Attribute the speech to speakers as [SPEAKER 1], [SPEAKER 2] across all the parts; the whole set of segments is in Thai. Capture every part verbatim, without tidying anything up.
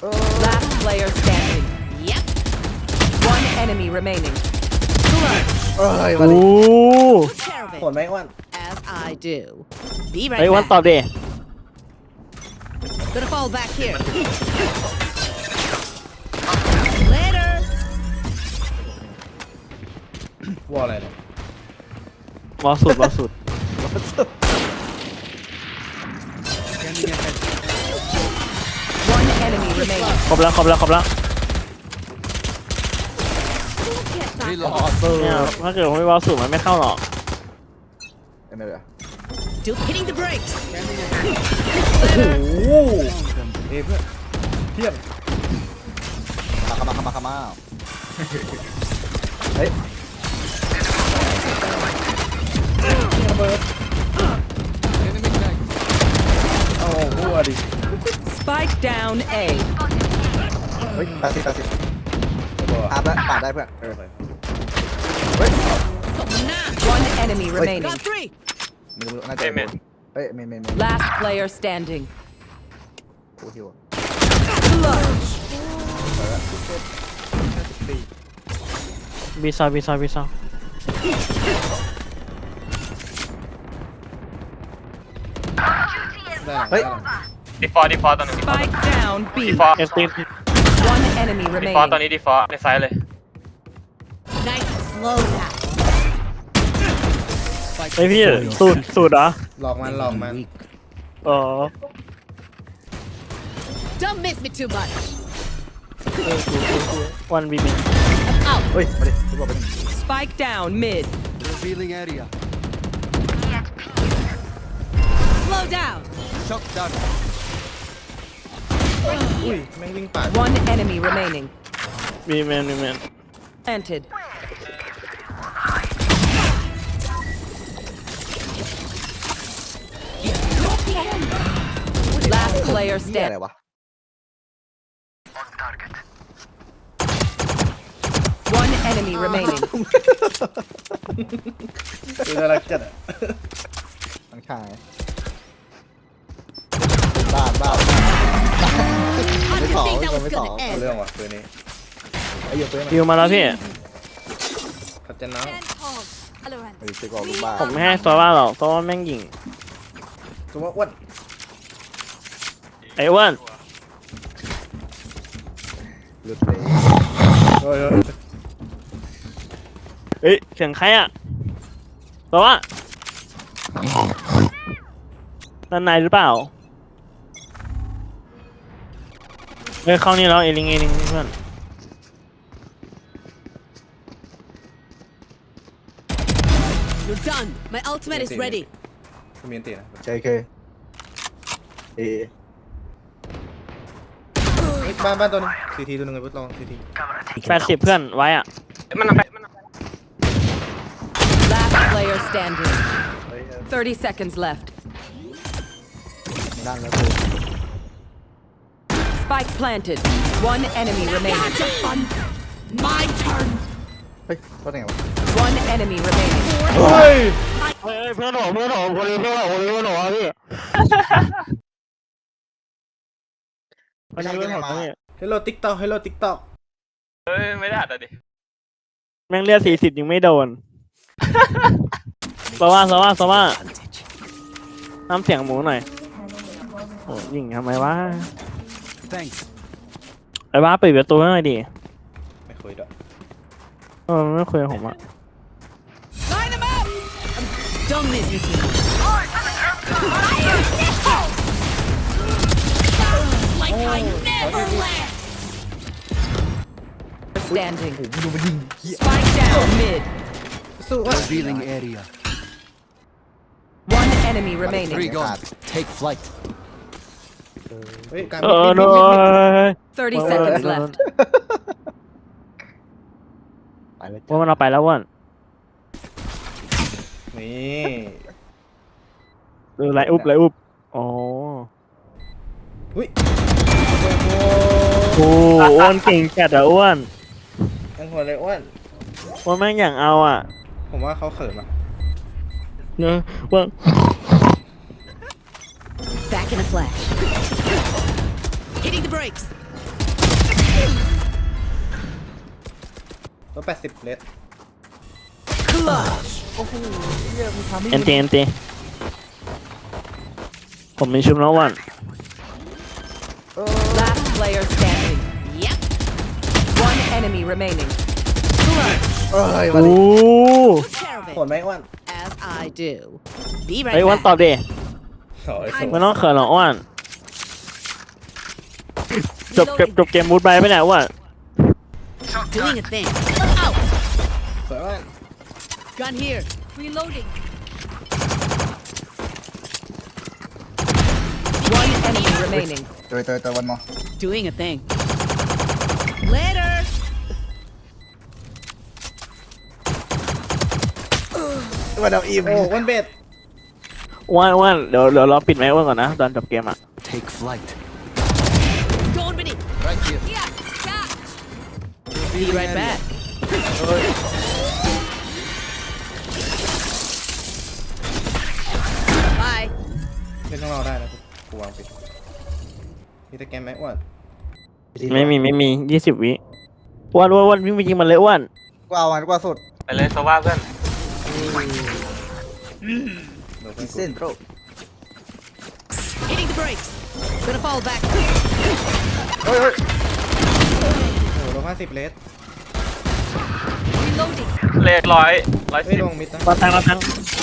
[SPEAKER 1] Last player standing. Yep. One enemy remaining.
[SPEAKER 2] เอ้ยมา
[SPEAKER 3] โอ้
[SPEAKER 2] ดิ
[SPEAKER 1] Take care of
[SPEAKER 2] โหด
[SPEAKER 1] it.
[SPEAKER 2] ไหมอ้วน
[SPEAKER 1] As I do. Be
[SPEAKER 3] ไอ้
[SPEAKER 1] right
[SPEAKER 3] วันตอบ
[SPEAKER 1] back.
[SPEAKER 3] ดิ
[SPEAKER 1] Gonna fall back here. Later.
[SPEAKER 2] วอลอะไรเนี่ย
[SPEAKER 3] บอลสุดบอลสุด
[SPEAKER 1] One enemy remaining.
[SPEAKER 3] ครบแล้วครบแล้วครบแล้ว
[SPEAKER 2] อ๋อเซอร์
[SPEAKER 3] เนี่ยถ้าเกิดผมไม่บอลสุดมันไม่เข้าหรอก
[SPEAKER 2] เป็นไงเดี๋ยว
[SPEAKER 1] Still hitting the brakes.
[SPEAKER 2] โอ้โหเอ้ยเพื่อนเทียบมาเข้ามาเข้ามาเข้ามาเฮ้ยระเบิดเอาหัวดิ
[SPEAKER 1] Spike down A.
[SPEAKER 2] เฮ้ยแปดสิบแปดสิบอาบแล้วปาดได้เพื่อนเออไปเฮ้ย
[SPEAKER 1] One enemy remaining.
[SPEAKER 4] Got three.
[SPEAKER 2] ไม่รู้น่าจะเมนเฮ้ยเมนเมนเมน
[SPEAKER 1] Last player standing.
[SPEAKER 2] โอ้ฮิว
[SPEAKER 3] บีซาบีซาบีซา
[SPEAKER 2] ได้เฮ้ย
[SPEAKER 5] ดีฟอร์ดีฟอร์ตอนนึง
[SPEAKER 1] Spike down
[SPEAKER 5] ดี
[SPEAKER 1] B.
[SPEAKER 5] ฟอร์
[SPEAKER 3] เอสตี
[SPEAKER 1] One enemy
[SPEAKER 5] ดีฟอร์ตอน
[SPEAKER 1] remaining.
[SPEAKER 5] นี้ดีฟอร์ในไซส์เลย
[SPEAKER 1] Nice and slow now.
[SPEAKER 3] ไอพี่สูตรสูตรเหรอ
[SPEAKER 2] หลอกมันหลอกมัน
[SPEAKER 3] อ๋อ
[SPEAKER 1] Don't miss me too much.
[SPEAKER 3] วันบีบี
[SPEAKER 1] Out.
[SPEAKER 2] เฮ้ยมาดิทุกคนเป็น
[SPEAKER 1] Spike down mid.
[SPEAKER 4] Revealing area.
[SPEAKER 1] Slow down.
[SPEAKER 4] Shock done.
[SPEAKER 2] อุ้ยแม่งวิ่งปาด
[SPEAKER 1] One enemy remaining.
[SPEAKER 3] บีแมนบีแมน
[SPEAKER 1] Planted. Last player
[SPEAKER 2] เหี้ยอะไร
[SPEAKER 1] standing.
[SPEAKER 2] วะ
[SPEAKER 1] One enemy remaining.
[SPEAKER 2] คือน่ารักจัดอ่ะทั้งชายบ้าบ้าไม่ต่อไม่ต่อเอาเรื่องว่ะตัวนี้ไอ้เหี้ยตัวนี้
[SPEAKER 3] คิวมาแล้วพี่
[SPEAKER 2] ขัดจันน้ำไอ้เจ๊กอกลูกบ้า
[SPEAKER 3] ผมไม่ให้โซว่าหรอกโซว่าแม่งยิง
[SPEAKER 2] ตัวว่าอ้วน
[SPEAKER 3] ไอ้อ้วน
[SPEAKER 2] หลุดเลยเฮ้ย
[SPEAKER 3] เฮ้ยเสียงใครอ่ะโซว่าด้านในหรือเปล่าเฮ้ยเข้านี่แล้วเอลิงเอลิงเพื่อน
[SPEAKER 1] You're done. My ultimate is ready.
[SPEAKER 2] มีอันตีนะใช่เคเอบ้านบ้านตัวนึงซีทีตัวนึงไอ้พุทธลองซีที
[SPEAKER 3] แปดสิบเพื่อนไว้อ่ะ
[SPEAKER 5] มันเอาไปมันเอาไป
[SPEAKER 1] Last player standing. Thirty seconds left.
[SPEAKER 2] ด้านแล้ว
[SPEAKER 1] Spike planted. One enemy remaining. My turn.
[SPEAKER 2] เฮ้ยว่าไงวะ
[SPEAKER 1] One enemy remaining.
[SPEAKER 2] เฮ้ย
[SPEAKER 3] เฮ้ยเพื่อนหนูเพื่อนหนูคนนี้เพื่อนหนูคนนี้เพื่อนหนูพี่คนนี้เพื่อนหนูพี่
[SPEAKER 2] เฮลโลติ๊กต็อกเฮลโลติ๊กต็อก
[SPEAKER 5] เฮ้ยไม่ได้แต่ดิ
[SPEAKER 3] แม่งเลือดสี่สิบยังไม่โดนสว่าสว่าสว่าน้ำเสียงหมูหน่อยโอ้ยิงทำไมวะ
[SPEAKER 4] Thanks.
[SPEAKER 3] ไอ้บ้าปิดประตูให้หน่อยดิ
[SPEAKER 2] ไม่คุยด้วย
[SPEAKER 3] เออไม่คุยกับผมอ่ะ
[SPEAKER 1] Line them up. Don't miss me too much. Like I never left. Standing.
[SPEAKER 2] ดูมันยิงเหี้ย
[SPEAKER 1] Spike down mid.
[SPEAKER 2] สู้วะ
[SPEAKER 4] Revealing area.
[SPEAKER 1] One enemy
[SPEAKER 4] Three
[SPEAKER 1] remaining.
[SPEAKER 4] gone. Take flight.
[SPEAKER 2] เฮ้ยการ
[SPEAKER 3] เออโน้ย
[SPEAKER 1] Thirty seconds left.
[SPEAKER 2] ไปเลย
[SPEAKER 3] ว่ามันเอาไปแล้วว่ะ
[SPEAKER 2] นี่
[SPEAKER 3] เออไรอุบไรอุบอ๋อ
[SPEAKER 2] อุ้ย
[SPEAKER 3] โอ้อ้วนเก่งจัดอะอ้วน
[SPEAKER 2] ยังหัวเลยอ้วน
[SPEAKER 3] อ้วนแม่งอย่างเอาอ่ะ
[SPEAKER 2] ผมว่าเขาเขินอ่ะ
[SPEAKER 3] เนอะอ้วน
[SPEAKER 1] Back in a flash. Hitting the brakes.
[SPEAKER 2] ร้อยแปดสิบเลส
[SPEAKER 1] Clutch.
[SPEAKER 3] เอ็นตีเอ็นตีผมมีชุบแล้ววัน
[SPEAKER 1] Last player standing. Yep. One enemy remaining. Clutch.
[SPEAKER 2] เอ้ย
[SPEAKER 3] โอ้
[SPEAKER 2] วันนี้
[SPEAKER 1] Took care of
[SPEAKER 2] โหด
[SPEAKER 1] it.
[SPEAKER 2] ไหมอ้วน
[SPEAKER 1] As I do. Be
[SPEAKER 3] ไอ้ย
[SPEAKER 1] right
[SPEAKER 3] วันตอบ
[SPEAKER 1] back.
[SPEAKER 3] ดิ
[SPEAKER 2] โอ้ยส
[SPEAKER 3] ไม่ต้องเขินหรอกอ้วนจบเก็บจบเกมมูดไปไปไหนอ้วน
[SPEAKER 1] Doing a thing. Out.
[SPEAKER 2] วยอ้วน
[SPEAKER 1] Gun here. Reloading. One enemy remaining.
[SPEAKER 2] ตัวตัวตัววันมอ
[SPEAKER 1] Doing a thing. Later.
[SPEAKER 2] วันเอาอิ่มโอ้วันเบ็ด
[SPEAKER 3] อ้วนอ้วนเดี๋ยวเดี๋ยวเราปิดไมค์อ้วนก่อนนะตอนจบเกมอ่ะ
[SPEAKER 4] Take flight.
[SPEAKER 1] Going with it.
[SPEAKER 4] Right here.
[SPEAKER 1] Yeah. Catch. Be right back. บาย
[SPEAKER 2] เล่นข้างนอกได้นะกูวางปิดมีตะแกรมไหมอ้วน
[SPEAKER 3] ไม่มีไม่มียี่สิบวิอ้วนอ้วนอ้วนวิ่งไปยิงมันเลยอ้วน
[SPEAKER 2] กูเอาอันกว่าสุด
[SPEAKER 5] ไปเลยโซว่าเพื่อน
[SPEAKER 2] เดี๋ยวเส้นโปร
[SPEAKER 1] Hitting the brakes. Gonna fall back.
[SPEAKER 2] เฮ้ยเฮ้ยโอ้โหร้อยห้าสิบเลส
[SPEAKER 1] Reloading.
[SPEAKER 5] เลขร้อยร้อย
[SPEAKER 2] เฮ้ย
[SPEAKER 5] สิบ
[SPEAKER 2] ลงมิดนะ
[SPEAKER 3] มาตังมาตัง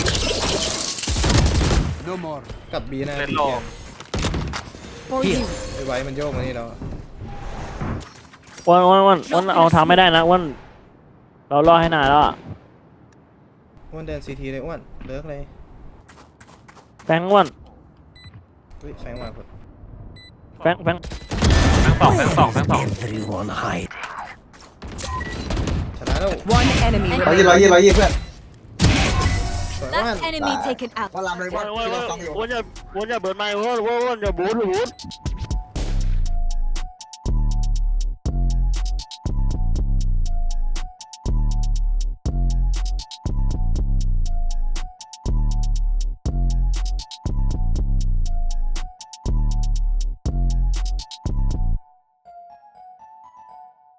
[SPEAKER 4] No more.
[SPEAKER 2] กับบีนะ
[SPEAKER 5] เลข
[SPEAKER 2] บี
[SPEAKER 5] โล
[SPEAKER 2] แก
[SPEAKER 1] For you.
[SPEAKER 2] ไอ้ไว้มันโยกมานี่แล้ว
[SPEAKER 3] อ้วนอ้วนอ้วนอ้วนเอาทำไม่ได้นะอ้วนเรารอให้นานแล้วอะ
[SPEAKER 2] อ้วนเดินซีทีเลยอ้วนเลิกเลย
[SPEAKER 3] แฟงอ้วน
[SPEAKER 2] เฮ้ยแสงมาคน
[SPEAKER 3] แฟงแฟง
[SPEAKER 5] แบงค์สองแบงค์สองแบงค์สอง
[SPEAKER 4] Everyone hide.
[SPEAKER 2] ชนะแล้ว
[SPEAKER 1] One enemy
[SPEAKER 2] ร้อยยี่
[SPEAKER 1] remaining.
[SPEAKER 2] ร้อยยี่ร้อยยี่เพื่อนสวยอ้วน
[SPEAKER 6] Last enemy taken out.
[SPEAKER 2] ว่าลำเลย
[SPEAKER 3] อ้
[SPEAKER 2] ว่า
[SPEAKER 3] วนอ้วน
[SPEAKER 2] ที่เราฟังอยู่
[SPEAKER 3] อ้วนอย่าอ้วนอย่าเบิร์นไมค์อ้วนอ้วนอ้วนอย่าบูดอย่าบูด